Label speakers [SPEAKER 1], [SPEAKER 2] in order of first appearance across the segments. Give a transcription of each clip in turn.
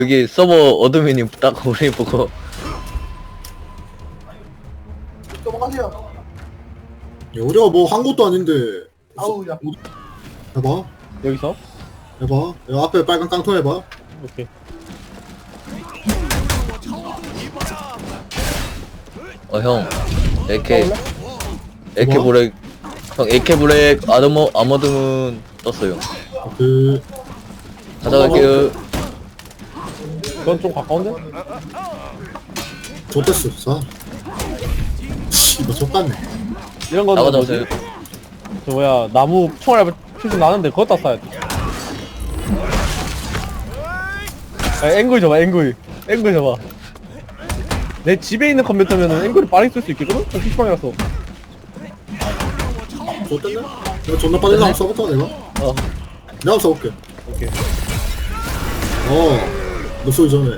[SPEAKER 1] 여기 서버 어드민이 딱 우리 보고
[SPEAKER 2] 넘어가세요.
[SPEAKER 3] 야, 우리가 뭐 한 것도 아닌데.
[SPEAKER 2] 아우, 야.
[SPEAKER 3] 해봐.
[SPEAKER 4] 여기서?
[SPEAKER 3] 해봐. 야, 앞에 빨간 깡통 해봐.
[SPEAKER 4] 오케이.
[SPEAKER 1] 형 AK
[SPEAKER 3] 뭐?
[SPEAKER 1] 브렉 형 AK 브렉 아머드문 떴어요.
[SPEAKER 3] 그,
[SPEAKER 1] 가져갈게요.
[SPEAKER 4] 그건 좀 가까운데?
[SPEAKER 3] 좆됐어, 자. 씨발, 좆같네.
[SPEAKER 4] 이런 거는
[SPEAKER 1] 나가자세요.
[SPEAKER 4] 뭐지? 저 뭐야 나무 총알 표시 나는데 그것다 쏴야 돼. 야, 앵글 줘봐 앵글 줘봐. 내 집에 있는 컴퓨터면은 앵글을 빠르게 쓸 수 있겠거든? PC방이라서.
[SPEAKER 3] 좆됐네? 내가 존나 빠르게 한번 써볼까, 내가?
[SPEAKER 4] 어
[SPEAKER 3] 내가 한번 써볼게.
[SPEAKER 4] 오케이.
[SPEAKER 3] 너 소리 전에.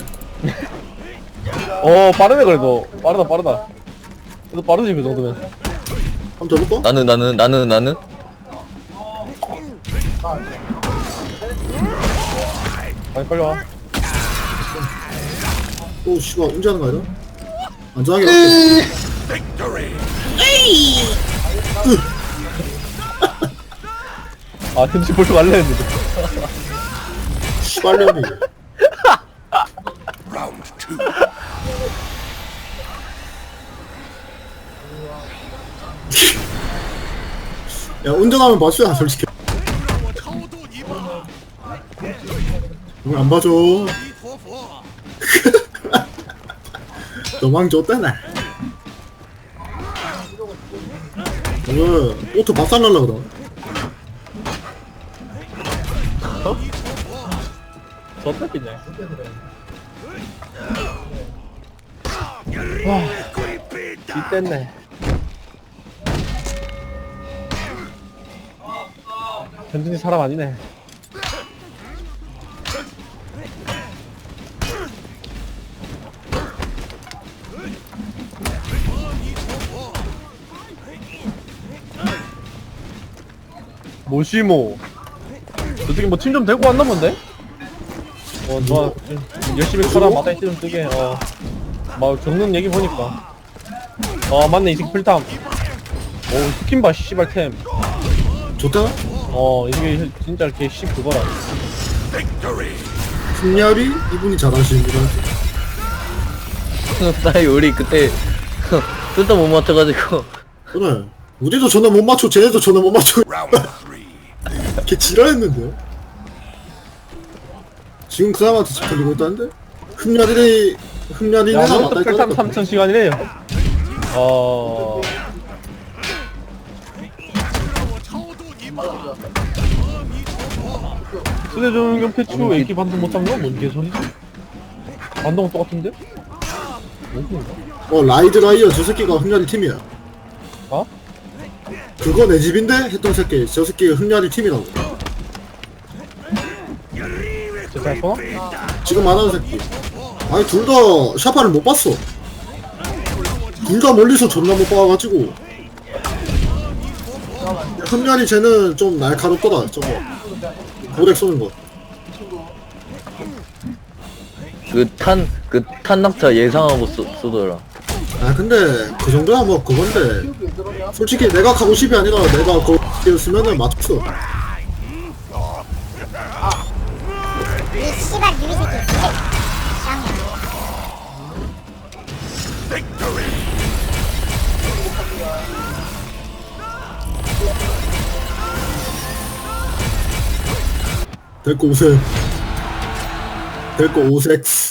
[SPEAKER 4] 빠르네 그래도. 빠르다. 그래도 빠르지 그 정도면.
[SPEAKER 3] 한번 더 해볼까?
[SPEAKER 1] 나는
[SPEAKER 4] 빨리 와.
[SPEAKER 3] 오, 씨발, 운전하는 거 아니야? 안전하게 갈게.
[SPEAKER 4] 아 템시 볼줄 갈래 했는데.
[SPEAKER 3] 씨발년이. 야, 운전하면 봐줘야, 솔직히. 왜 안 봐줘? 너망 줬다나. 오늘 오토 박살날라 그러.
[SPEAKER 4] 저때겠냐? 와, 이땠네. 현준이 사람 아니네. 모시모. 저쪽에 뭐 팀 좀 데리고 왔나 본데? 좋아. 열심히 커라 마다 이좀 뜨게. 막 적는 얘기 보니까. 맞네 이 새끼 필탐. 스킨 봐 씨발 템.
[SPEAKER 3] 좋다?
[SPEAKER 4] 이게 진짜 이렇게 씨 그거라.
[SPEAKER 3] 승렬이 이분이 잘하시는 분
[SPEAKER 1] 사이 우리 그때 뜻도 못 맞춰가지고
[SPEAKER 3] 그래. 우리도 전화 못 맞춰, 쟤네도 전화 못 맞춰. 걔 지랄했는데. 지금 그 사람한테 잡히고 있다는데? 흠야리네, 흠야리네가
[SPEAKER 4] 야,
[SPEAKER 3] 맞다
[SPEAKER 4] 필탐
[SPEAKER 3] 했다니까.
[SPEAKER 4] 3천 시간이래요. 수대전경 패치로 AK 반동 못 잡는 건 뭔 개소리지? 반동은 똑같은데? 뭔가?
[SPEAKER 3] 라이드 라이어 저 새끼가 흠야리 팀이야.
[SPEAKER 4] 어?
[SPEAKER 3] 그거 내 집인데? 했던 새끼. 저 새끼가 흠야리 팀이라고.
[SPEAKER 4] 진짜 잘 쏘나?
[SPEAKER 3] 지금 말하는 새끼. 아니, 둘 다 샤파를 못 봤어. 둘 다 멀리서 존나 못 봐가지고. 흠야리 쟤는 좀 날카롭더라, 저거. 고렉 쏘는 거.
[SPEAKER 1] 그 탄낙차 예상하고 쏘더라.
[SPEAKER 3] 아, 근데 그 정도야 뭐 그건데. 솔직히 내가 가고 싶이 아니라 내가 거기였으면은 맞췄어.
[SPEAKER 5] 이 씨발 유리 새끼.
[SPEAKER 3] 데리고 오세요. 데리고 오섹스.